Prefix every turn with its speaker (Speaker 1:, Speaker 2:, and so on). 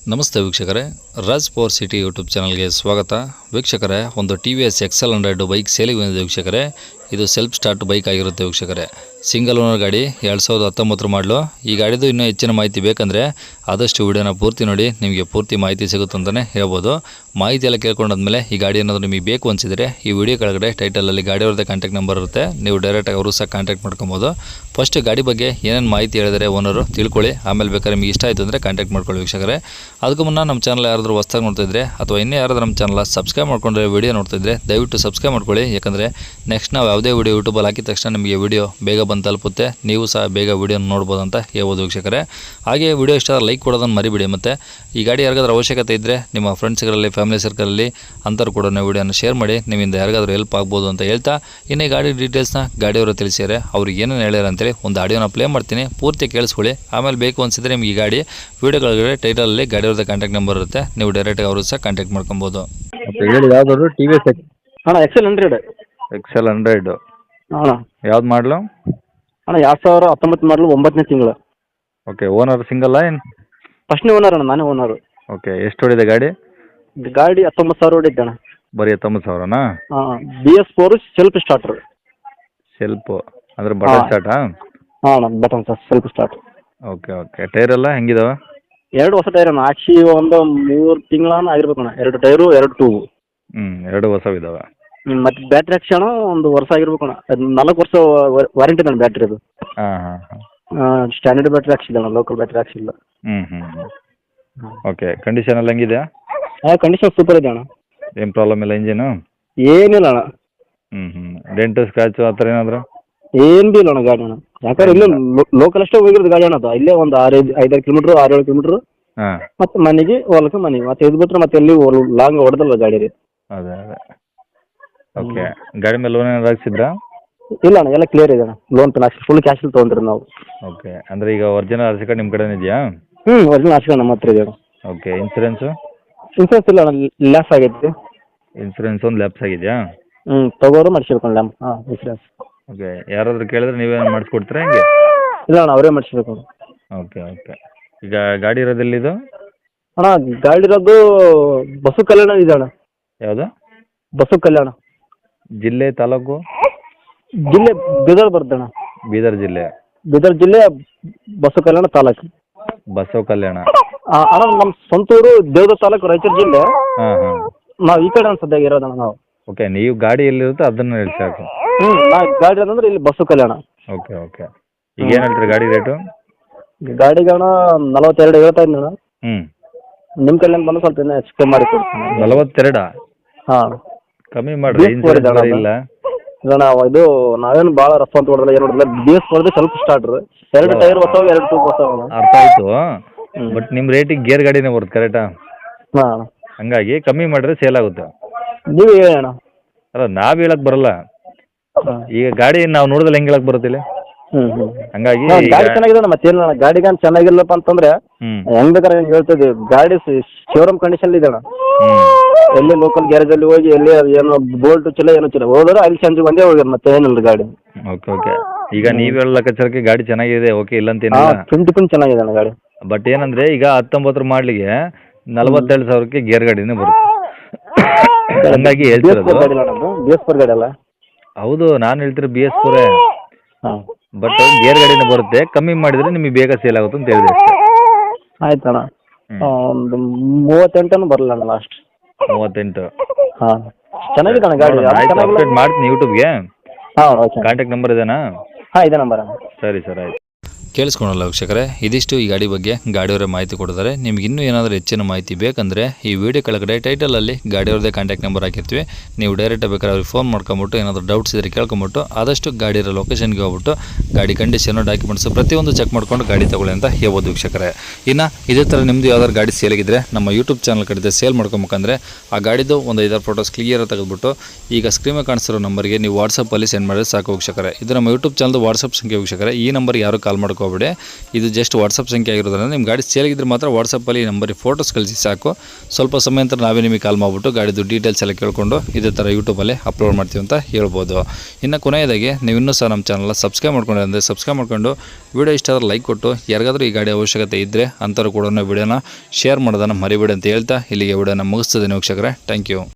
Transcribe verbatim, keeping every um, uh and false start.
Speaker 1: ನಮಸ್ತೆ ವೀಕ್ಷಕರೇ, Raj power city YouTube ಚಾನಲ್ಗೆ ಸ್ವಾಗತ. ವೀಕ್ಷಕರೇ, ಒಂದು T V S Excel hundred bike ಸೇಲಿಗೆ ಬಂದಿದೆ ವೀಕ್ಷಕರೇ. ಇದು ಸೆಲ್ಫ್ ಸ್ಟಾರ್ಟ್ ಬೈಕ್ ಆಗಿರುತ್ತೆ ವೀಕ್ಷಕರೇ. ಸಿಂಗಲ್ ಓನರ್ ಗಾಡಿ, ಎರಡು ಸಾವಿರದ ಹತ್ತೊಂಬತ್ತರ ಮಾಡಲು. ಈ ಗಾಡಿದು ಇನ್ನೂ ಹೆಚ್ಚಿನ ಮಾಹಿತಿ ಬೇಕಂದರೆ ಆದಷ್ಟು ವಿಡಿಯೋನ ಪೂರ್ತಿ ನೋಡಿ, ನಿಮಗೆ ಪೂರ್ತಿ ಮಾಹಿತಿ ಸಿಗುತ್ತೆ ಅಂತಲೇ ಹೇಳ್ಬೋದು. ಮಾಹಿತಿ ಎಲ್ಲ ಕೇಳ್ಕೊಂಡಾದ್ಮೇಲೆ ಈ ಗಾಡಿ ಏನಾದರೂ ನಿಮಗೆ ಬೇಕು ಅನಿಸಿದರೆ ಈ ವಿಡಿಯೋ ಕೆಳಗಡೆ ಟೈಟಲಲ್ಲಿ ಗಾಡಿಯವ್ರದ್ದೇ ಕಾಂಟ್ಯಾಕ್ಟ್ ನಂಬರ್ ಇರುತ್ತೆ, ನೀವು ಡೈರೆಕ್ಟಾಗಿ ಅವರು ಸಹ ಕಾಂಟ್ಯಾಕ್ಟ್ ಮಾಡ್ಕೊಬೋದು. ಫಸ್ಟ್ ಗಾಡಿ ಬಗ್ಗೆ ಏನೇನು ಮಾಹಿತಿ ಹೇಳಿದರೆ ಓನರು ತಿಳ್ಕೊಳ್ಳಿ, ಆಮೇಲೆ ಬೇಕಾದ್ರೆ ನಿಮಗೆ ಇಷ್ಟ ಆಯಿತು ಅಂದರೆ ಕಾಂಟ್ಯಾಕ್ಟ್ ಮಾಡ್ಕೊಳ್ಳಿ ವೀಕ್ಷಕರೇ. ಅದಕ್ಕೂ ಮುನ್ನ ನಮ್ಮ ಚಾನಲ್ ಯಾರಾದರೂ ಹೊಸ್ದಾಗಿ ನೋಡ್ತಿದ್ರೆ ಅಥವಾ ಇನ್ನೂ ಯಾರಾದರೂ ನಮ್ಮ ಚಾನಲ್ ಸಬ್ಸ್ಕ್ರೈಬ್ ಮಾಡ್ಕೊಂಡ್ರೆ ವಿಡಿಯೋ ನೋಡ್ತಿದ್ರೆ ದಯವಿಟ್ಟು ಸಬ್ಸ್ಕ್ರೈಬ್ ಮಾಡ್ಕೊಳ್ಳಿ. ಯಾಕಂದರೆ ನೆಕ್ಸ್ಟ್ ನಾವು ಯಾವುದೇ ವಿಡಿಯೋ ಯೂಟ್ಯೂಬಲ್ಲಿ ಹಾಕಿದ ತಕ್ಷಣ ನಿಮಗೆ ವಿಡಿಯೋ ಬೇಗ ಬಂದು ತಲುಪುತ್ತೆ, ನೀವು ಸಹ ಬೇಗ ವಿಡಿಯೋ ನೋಡ್ಬೋದು ಅಂತ ಹೇಳ್ಬೋದು ವೀಕ್ಷಕರೇ. ಹಾಗೆ ವಿಡಿಯೋ ಇಷ್ಟ ಲೈಕ್ ಕೊಡೋದನ್ನು ಮರಿಬಿಡಿ. ಮತ್ತು ಈ ಗಾಡಿ ಯಾರಿಗಾದ್ರೂ ಅವಶ್ಯಕತೆ ಇದ್ದರೆ ನಿಮ್ಮ ಫ್ರೆಂಡ್ಸ್ಗಳಲ್ಲಿ, ಫ್ಯಾಮಿಲಿ ಸರ್ಕಲಲ್ಲಿ ಅಂಥವ್ರು ಕೂಡ ವಿಡಿಯೋನ ಶೇರ್ ಮಾಡಿ, ನಿಮ್ಮಿಂದ ಯಾರಿಗಾದ್ರೂ ಹೆಲ್ಪ್ ಆಗ್ಬೋದು ಅಂತ ಹೇಳ್ತಾ, ಇನ್ನು ಈ ಗಾಡಿ ಡೀಟೇಲ್ಸ್ನ ಗಾಡಿಯವರು ತಿಳಿಸಿದ್ದಾರೆ, ಅವ್ರಿಗೆ ಏನೇನು ಹೇಳ್ಯಾರ ಅಂತೇಳಿ ಒಂದು ಆಡಿಯೋನ ಪ್ಲೇ ಮಾಡ್ತೀನಿ, ಪೂರ್ತಿ ಕೇಳಿಸ್ಕೊಳ್ಳಿ. ಆಮೇಲೆ ಬೇಕು ಅನಿಸಿದ್ರೆ ನಿಮಗೆ ಈ ಗಾಡಿ ವಿಡಿಯೋಗಳಿಗೆ ಟೈಟಲಲ್ಲಿ ಗಾಡಿಯವ್ರದ್ದು ಕಾಂಟ್ಯಾಕ್ಟ್ ನಂಬರ್ ಇರುತ್ತೆ, ನೀವು ಡೈರೆಕ್ಟಾಗಿ ಅವರು ಸಹ ಕಾಂಟ್ಯಾಕ್ಟ್ ಮಾಡ್ಕೊಬೋದು.
Speaker 2: ಹೇಳಿ, ಯಾವ್ದಾದ್ರು ಟಿ ವಿ ಎಸ್
Speaker 3: ಅಣ್ಣ ಎಕ್ಸೆಲ್ ಹಂಡ್ರೆಡ್
Speaker 2: ಎಕ್ಸೆಲ್ ಹಂಡ್ರೆಡ್
Speaker 3: ಅಣ್ಣ
Speaker 2: ಯಾವ್ದು ಮಾಡಲು?
Speaker 3: ಅಣ್ಣ ಎರಡು ಸಾವಿರ ಹತ್ತೊಂಬತ್ತು ಮಾಡಲು, ಒಂಬತ್ತನೇ ತಿಂಗಳು.
Speaker 2: ಓಕೆ, ಓನರ್ ಸಿಂಗಲ್ಲ ಏನು?
Speaker 3: ಫಸ್ಟ್ನೇ ಓನರ್ ಅಣ್ಣ, ನಾನೇ ಓನರು.
Speaker 2: ಓಕೆ, ಎಷ್ಟು ಹೊಡಿದೆ ಗಾಡಿ?
Speaker 3: ಗಾಡಿ ಹತ್ತೊಂಬತ್ತು ಸಾವಿರ ಹೊಡಿದ್ದೆ ಅಣ್ಣ.
Speaker 2: ಬರೀ ಹತ್ತೊಂಬತ್ತು ಸಾವಿರನಾ?
Speaker 3: ಹಾಂ, B S four self starter.
Speaker 2: Self ಅಂದರೆ ಬಟನ್ ಸ್ಟಾರ್ಟಾ?
Speaker 3: ಹಾಂ ಅಣ್ಣ, button self start.
Speaker 2: Okay okay, tyre ಎಲ್ಲ ಹೆಂಗಿದಾವೆ?
Speaker 3: ಎರಡು ಹೊಸ ಟೈರ್ ಅಣ್ಣ, ಹಾಕ್ಸಿ ಒಂದು ಮೂರು ತಿಂಗಳನ್ನ ಆಗಿರ್ಬೇಕು ಅಣ್ಣ. ಎರಡು ಟೈರು, ಎರಡು ಟ್ಯೂಬು.
Speaker 2: ಹ್ಞೂ, ಎರಡು ಹೊಸವಿದಾವೆ.
Speaker 3: ಹ್ಞೂ, ಮತ್ತು ಬ್ಯಾಟ್ರಿ ಹಾಕ್ಸಿ ಅಣ್ಣ ಒಂದು ವರ್ಷ ಆಗಿರ್ಬೇಕು ಅಣ್ಣ. ಅದು ನಾಲ್ಕು ವರ್ಷ ವಾರಂಟಿ ಇದೆ ಅಣ್ಣ ಬ್ಯಾಟ್ರಿ. ಅದು
Speaker 2: ಹಾಂ ಹಾಂ ಹಾಂ,
Speaker 3: ಸ್ಟ್ಯಾಂಡರ್ಡ್ ಬ್ಯಾಟ್ರಿ ಹಾಕ್ಸಿಲ್ಲ ಅಣ್ಣ, ಲೋಕಲ್ ಬ್ಯಾಟ್ರಿ ಹಾಕ್ಸಿಲ್ಲ.
Speaker 2: ಹ್ಞೂ ಹ್ಞೂ ಹ್ಞೂ ಓಕೆ, ಕಂಡೀಷನ್ ಎಲ್ಲ ಹೆಂಗಿದೆ?
Speaker 3: ಹಾಂ, ಕಂಡೀಷನ್ ಸೂಪರ್ ಇದೆ ಅಣ್ಣ,
Speaker 2: ಏನು ಪ್ರಾಬ್ಲಮ್ ಇಲ್ಲ ಇಂಜಿನು?
Speaker 3: ಏನಿಲ್ಲ ಅಣ್ಣ.
Speaker 2: ಹ್ಞೂ ಹ್ಞೂ ಡೆಂಟು ಸ್ಕ್ರಾಚು ಆ ಥರ ಏನಾದರೂ?
Speaker 3: ಏನು ಬಿ ಇಲ್ಲ ಅಣ್ಣ ಗಾಡಿ ಅಣ್ಣ. ಯಾಕಂದ್ರೆ ಇಲ್ಲೇ ಲೋಕಲ್ ಅಷ್ಟೇ ಹೋಗಿರೋದು ಗಾಡಿ ಅಣ್ಣ. ಅದು ಇಲ್ಲೇ ಒಂದು ಆರು ಐದಾರು ಕಿಲೋಮೀಟ್ರ್, ಆರು ಏಳು ಕಿಲೋಮೀಟ್ರ್.
Speaker 2: ಹಾಂ,
Speaker 3: ಮತ್ತೆ ಮನೆಗೆ ಹೊಲಕ್ಕೆ ಮನೆಗೆ ಮತ್ತೆ ಇದು ಬಿಟ್ಟರೆ ಮತ್ತೆ ಎಲ್ಲಿ ಲಾಂಗ್ ಹೊಡೆದಲ್ಲ ಗಾಡಿ ರೀ.
Speaker 2: ಅದೇ ಅದೇ ಓಕೆ. ಗಾಡಿ ಮೇಲೆ ಲೋನ್ ಏನಾದ್ರು ಹಾಕ್ಸಿದ್ರಾ?
Speaker 3: ಇಲ್ಲ ಅಣ್ಣ, ಎಲ್ಲ ಕ್ಲಿಯರ್ ಇದೆ ಅಣ್ಣ. ಲೋನ್ ಪೇನ್ ಹಾಕ್ಸಿ ಫುಲ್ ಕ್ಯಾಶಲ್ಲಿ ತೊಗೊಂಡ್ರಿ ನಾವು.
Speaker 2: ಓಕೆ, ಅಂದರೆ ಈಗ ಒರಿಜಿನಲ್ ಆರ್ ಸಿ ಕಾರ್ಡ್ ನಿಮ್ಮ ಕಡೆನೇ ಇದೆಯಾ?
Speaker 3: ಹ್ಞೂ, ಒರಿಜಿನಲ್ ಹಾಕ್ಸಿ ನಮ್ಮ ಹತ್ರ ಇದೆ ಅಣ್ಣ.
Speaker 2: Okay, insurance?
Speaker 3: ಇನ್ಸೂರೆನ್ಸ್ ಇಲ್ಲ ಅಣ್ಣ, ಲ್ಯಾಪ್ಸ್ ಆಗೈತಿ.
Speaker 2: ಇನ್ಸೂರೆನ್ಸ್ ಒಂದು ಲ್ಯಾಪ್ಸ್ ಆಗಿದೆಯಾ?
Speaker 3: ಹ್ಞೂ, ತಗೋರು ಮಾಡಿಸ್ಬೇಕು ಲ್ಯಾಪ್. ಹಾಂ, ಇನ್ಸೂರೆನ್ಸ್.
Speaker 2: ಓಕೆ, ಯಾರಾದರೂ ಕೇಳಿದ್ರೆ ನೀವೇನು ಮಾಡಿಸ್ಕೊಡ್ತೀರಾ ಹೆಂಗೆ?
Speaker 3: ಇಲ್ಲ ಅಣ್ಣ, ಅವರೇ ಮಾಡಿಸ್ಬೇಕು.
Speaker 2: ಓಕೆ ಓಕೆ, ಈಗ ಗಾಡಿ ಇರೋದೆಲ್ಲಿದು?
Speaker 3: ಅಣ್ಣ ಗಾಡಿ ಇರೋದು ಬಸು ಕಲ್ಯಾಣ ಇದೆ ಅಣ್ಣ.
Speaker 2: ಯಾವುದು?
Speaker 3: ಬಸು ಕಲ್ಯಾಣ.
Speaker 2: ಜಿಲ್ಲೆ, ತಾಲೂಕು?
Speaker 3: ಜಿಲ್ಲೆ ಬೀದರ್ ಬರುತ್ತೆ ಅಣ್ಣ.
Speaker 2: ಬೀದರ್ ಜಿಲ್ಲೆ?
Speaker 3: ಬೀದರ್ ಜಿಲ್ಲೆ, ಬಸು ಕಲ್ಯಾಣ ತಾಲೂಕು.
Speaker 2: ಬಸವ ಕಲ್ಯಾಣ.
Speaker 3: ಅಣ್ಣ ನಮ್ಮ ಸ್ವಂತೂರು ದೇವದ ತಾಲೂಕು, ರಾಯಚೂರು ಜಿಲ್ಲೆ.
Speaker 2: ಹಾಂ ಹಾಂ,
Speaker 3: ನಾವು ಈ ಕಡೆ ಸದ್ಯಾಗ ಇರೋದಣ್ಣ ನಾವು.
Speaker 2: ಓಕೆ, ನೀವು ಗಾಡಿ ಎಲ್ಲಿರುತ್ತೋ ಅದನ್ನು ಹೇಳಿ ಸಾಕು.
Speaker 3: ಹ್ಞೂ, ನಾ ಗಾಡಿ ಅಂದ್ರೆ ಇಲ್ಲಿ ಬಸ್ಸು ಕಲ್ಯಾಣ.
Speaker 2: ಓಕೆ ಓಕೆ, ಈಗ ಏನು ಹೇಳ್ತೀರಿ ಗಾಡಿ ರೇಟು?
Speaker 3: ಗಾಡಿಗೆ ಅಣ್ಣ ನಲವತ್ತೆರಡು ಹೇಳ್ತಾ ಇದ್ದೀನಿ ಅಣ್ಣ.
Speaker 2: ಹ್ಞೂ,
Speaker 3: ನಿಮ್ಮ ಕಡೆಯಿಂದ ಬಂದು ಸ್ವಲ್ಪ ಇನ್ನೂ ಹೆಚ್ಚು ಕಮ್ಮಿ ಮಾಡಿ ಕೊಡ್ತೀನಿ.
Speaker 2: ನಲವತ್ತೆರಡಾ?
Speaker 3: ಹಾಂ,
Speaker 2: ಕಮ್ಮಿ ಮಾಡಿರಿ, ಇನ್ಸೂರೆನ್ಸ್ ಇಲ್ಲ.
Speaker 3: ಇಲ್ಲ ನಾವು ಇದು ನಾವೇನು ಭಾಳ ರಫ್ ಅಂತ ಹೊಡೆದಿಲ್ಲ, ಏನು ಹೊಡೆದಿಲ್ಲ. ಬಿ ಎಸ್ ಹೊಡೆದು ಸ್ವಲ್ಪ ಸ್ಟಾರ್ಟ್ರು. ಎರಡು ಟೈರ್ ಹೊಸವು, ಎರಡು ಟೂಬ್ ಹೊಸವು.
Speaker 2: ಅರ್ಥ ಆಯಿತು, ಬಟ್ ನಿಮ್ಮ ರೇಟಿಗೆ ಗೇರ್ ಗಾಡಿನೇ ಬರುತ್ತೆ ಕರೆಕ್ಟಾ?
Speaker 3: ಹಾಂ,
Speaker 2: ಹಂಗಾಗಿ ಕಮ್ಮಿ ಮಾಡಿದ್ರೆ ಸೇಲ್ ಆಗುತ್ತೆ.
Speaker 3: ನೀವು ಹೇಳಿ ಅಣ್ಣ.
Speaker 2: ಅಲ್ಲ, ನಾವು ಹೇಳಕ್ ಬರಲ್ಲ. ಈಗ ಗಾಡಿ ನಾವು ನೋಡಿದ್ರೆ ಹೆಂಗೆ ಹೇಳಕ್ ಬರುತ್ತಿಲ್ಲ?
Speaker 3: ಹ್ಞೂ ಹ್ಞೂ
Speaker 2: ಹಂಗಾಗಿ
Speaker 3: ಗಾಡಿ ಚೆನ್ನಾಗಿದೆ ಅಣ್ಣ. ಮತ್ತೇನು ಅಣ್ಣ, ಗಾಡಿಗಾನ್ ಚೆನ್ನಾಗಿಲ್ಲಪ್ಪ ಅಂತಂದ್ರೆ ಹೆಂಗ್ ಬೇಕಾದ್ರೆ ಹೆಂಗೆ ಹೇಳ್ತಿದ್ವಿ. ಗಾಡಿ ಶೋರೂಮ್ ಕಂಡೀಷನ್ ಇದೆ ಅಣ್ಣ. ಎಲ್ಲಿ ಲೋಕಲ್ ಗ್ಯಾರೇಜಲ್ಲಿ ಹೋಗಿ ಎಲ್ಲಿ ಏನೋ ಬೋಲ್ಟ್ ಚಲೋ ಏನೋ ಚಲೋ ಹೋದ್ರೆ ಅಲ್ಲಿ ಸಂಜೆ ಒಂದೇ ಹೋಗ್ಯಾರ, ಮತ್ತೆ ಏನಿಲ್ಲ ಗಾಡಿ.
Speaker 2: ಓಕೆ ಓಕೆ, ಈಗ ನೀವು ಹೇಳೋ ಲೆಕ್ಕಾಚಾರಕ್ಕೆ ಗಾಡಿ ಚೆನ್ನಾಗಿದೆ, ಓಕೆ, ಇಲ್ಲ ಅಂತ
Speaker 3: ಹಾಂ,
Speaker 2: ಏನಿಲ್ಲ.
Speaker 3: ಪಿಂಟ್ ಪಿಂಟ್ ಚೆನ್ನಾಗಿದೆ ಅಣ್ಣ ಗಾಡಿ.
Speaker 2: ಬಟ್ ಏನಂದ್ರೆ ಈಗ ಹತ್ತೊಂಬತ್ತರ ಮಾಡ್ಲಿಗೆ ನಲವತ್ತೆರಡು ಸಾವಿರಕ್ಕೆ ಗೇರ್ ಗಾಡಿನೇ ಬರುತ್ತೆ. ಹಂಗಾಗಿ ಹೇಳ್ತಿರೋದು.
Speaker 3: ಬಿ ಎಸ್ ಫೋರ್ ಗಾಡಿ ಅಲ್ಲ?
Speaker 2: ಹೌದು, ನಾನು ಹೇಳ್ತಿರೋ ಬಿ ಎಸ್ ಫೋರೇ.
Speaker 3: ಹಾಂ,
Speaker 2: ಬಟ್ ಗೇರ್ ಗಾಡಿನೇ ಬರುತ್ತೆ, ಕಮ್ಮಿ ಮಾಡಿದ್ರೆ ನಿಮಗೆ ಬೇಗ ಸೇಲ್ ಆಗುತ್ತೆ ಅಂತ ಹೇಳಿದೆ.
Speaker 3: ಆಯ್ತು ಅಣ್ಣ, ಒಂದು ಮೂವತ್ತೆಂಟನ್ನು ಬರಲ್ಲ ಅಣ್ಣ ಲಾಸ್ಟ್.
Speaker 2: ಮೂವತ್ತೆಂಟು?
Speaker 3: ಹಾಂ, ಚೆನ್ನಾಗಿದೆ ಅಣ್ಣ ಗಾಡಿ.
Speaker 2: ಅಪ್ಡೇಟ್ ಮಾಡ್ತೀನಿ ಯೂಟ್ಯೂಬ್ಗೆ.
Speaker 3: ಹಾಂ, ಓಕೆ.
Speaker 2: ಕಾಂಟ್ಯಾಕ್ಟ್ ನಂಬರ್ ಇದೇನಾ?
Speaker 3: ಹಾಂ, ಇದೆ ನಂಬರ್ ಅಣ್ಣ.
Speaker 2: ಸರಿ ಸರ್, ಆಯ್ತು.
Speaker 1: ಕೇಳಿಸ್ಕೊಳಲ್ಲ ವೀಕ್ಷಕರೇ, ಇದಿಷ್ಟು ಈ ಗಾಡಿ ಬಗ್ಗೆ ಗಾಡಿಯವರೇ ಮಾಹಿತಿ ಕೊಡ್ತಾರೆ. ನಿಮ್ಗೆ ಇನ್ನೂ ಏನಾದರೂ ಹೆಚ್ಚಿನ ಮಾಹಿತಿ ಬೇಕಂದರೆ ಈ ವಿಡಿಯೋ ಕೆಳಗಡೆ ಟೈಟಲಲ್ಲಿ ಗಾಡಿಯವ್ರದ್ದೇ ಕಾಂಟ್ಯಾಕ್ಟ್ ನಂಬರ್ ಹಾಕಿರ್ತೀವಿ, ನೀವು ಡೈರೆಕ್ಟಾಗಿ ಬೇಕಾದ್ರೆ ಅವ್ರಿಗೆ ಫೋನ್ ಮಾಡ್ಕೊಂಬಿಟ್ಟು ಏನಾದರೂ ಡೌಟ್ಸ್ ಇದ್ದರೆ ಕೇಳ್ಕೊಂಬಿಟ್ಟು ಆದಷ್ಟು ಗಾಡಿ ಇರೋ ಲೊಕೇಶನ್ಗೆ ಹೋಗ್ಬಿಟ್ಟು ಗಾಡಿ ಕಂಡೀಷನು, ಡಾಕ್ಯುಮೆಂಟ್ಸು ಪ್ರತಿಯೊಂದು ಚೆಕ್ ಮಾಡ್ಕೊಂಡು ಗಾಡಿ ತೊಗೊಳ್ಳಿ ಅಂತ ಹೇಳ್ಬೋದು ವೀಕ್ಷಕರೇ. ಇನ್ನು ಇದೇ ಥರ ನಿಮ್ಮದು ಯಾವ್ದಾದ್ರು ಗಾಡಿ ಸೇಲಿಗಿದ್ರೆ ನಮ್ಮ ಯೂಟ್ಯೂಬ್ ಚಾನಲ್ ಕಡೆ ಸೇಲ್ ಮಾಡ್ಕೊಬೇಕಂದ್ರೆ ಆ ಗಾಡಿದು ಒಂದು ಐದಾರು ಫೋಟೋಸ್ ಕ್ಲಿಯರ್ ತೆಗೆದುಬಿಟ್ಟು ಈಗ ಸ್ಕ್ರೀನ್ ಮೇಲೆ ಕಾಣಿಸ್ತಿರೋ ನಂಬರ್ಗೆ ನೀವು ವಾಟ್ಸಪ್ಪಲ್ಲಿ ಸೆಂಡ್ ಮಾಡಿದ್ರೆ ಸಾಕು ವೀಕ್ಷಕರೇ. ಇದು ನಮ್ಮ ಯೂಟ್ಯೂಬ್ ಚಾನಲ್ದು ವಾಟ್ಸಪ್ ಸಂಖ್ಯೆ ವೀಕ್ಷಕರೇ. ಈ ನಂಬರ್ಗೆ ಯಾರು ಕಾಲ್ ಮಾಡ್ಕೋ ಹೋಗ್ಬೇಡಿ. ಇದು ಜಸ್ಟ್ ವಾಟ್ಸಪ್ ಸಂಖ್ಯೆ ಆಗಿರೋದ್ರಿಂದ ನಿಮ್ಮ ಗಾಡಿ ಸೇಲಿಗಿದ್ರೆ ಮಾತ್ರ ವಾಟ್ಸಪ್ಪಲ್ಲಿ ಈ ನಂಬರಿಗೆ ಫೋಟೋಸ್ ಕಳಿಸಿ ಸಾಕು. ಸ್ವಲ್ಪ ಸಮಯ ನಂತರ ನಾವೇ ನಿಮಗೆ ಕಾಲ್ ಮಾಡಿಬಿಟ್ಟು ಗಾಡಿದು ಡೀಟೇಲ್ಸ್ ಎಲ್ಲ ಕೇಳಿಕೊಂಡು ಇದೇ ಥರ ಯೂಟ್ಯೂಬಲ್ಲಿ ಅಪ್ಲೋಡ್ ಮಾಡ್ತೀವಿ ಅಂತ ಹೇಳ್ಬೋದು. ಇನ್ನು ಕೊನೆಯದಾಗಿ ನೀವು ಇನ್ನೂ ಸಹ ನಮ್ಮ ಚಾನಲ್ನ ಸಬ್ಸ್ಕ್ರೈಬ್ ಮಾಡ್ಕೊಂಡ್ರೆ ಅಂದರೆ ಸಬ್ಸ್ಕ್ರೈಬ್ ಮಾಡ್ಕೊಂಡು ವಿಡಿಯೋ ಇಷ್ಟ ಆದ್ರೆ ಲೈಕ್ ಕೊಟ್ಟು ಯಾರಿಗಾದ್ರೂ ಈ ಗಾಡಿ ಅವಶ್ಯಕತೆ ಇದ್ದರೆ ಅಂಥವ್ರು ಕೂಡ ವಿಡಿಯೋನ ಶೇರ್ ಮಾಡೋದನ್ನು ಮರಿಬೇಡಿ ಅಂತ ಹೇಳ್ತಾ ಇಲ್ಲಿಗೆ ವಿಡಿಯೋನ ಮುಗಿಸ್ತದೆ ವೀಕ್ಷಕರೇ. Thank you.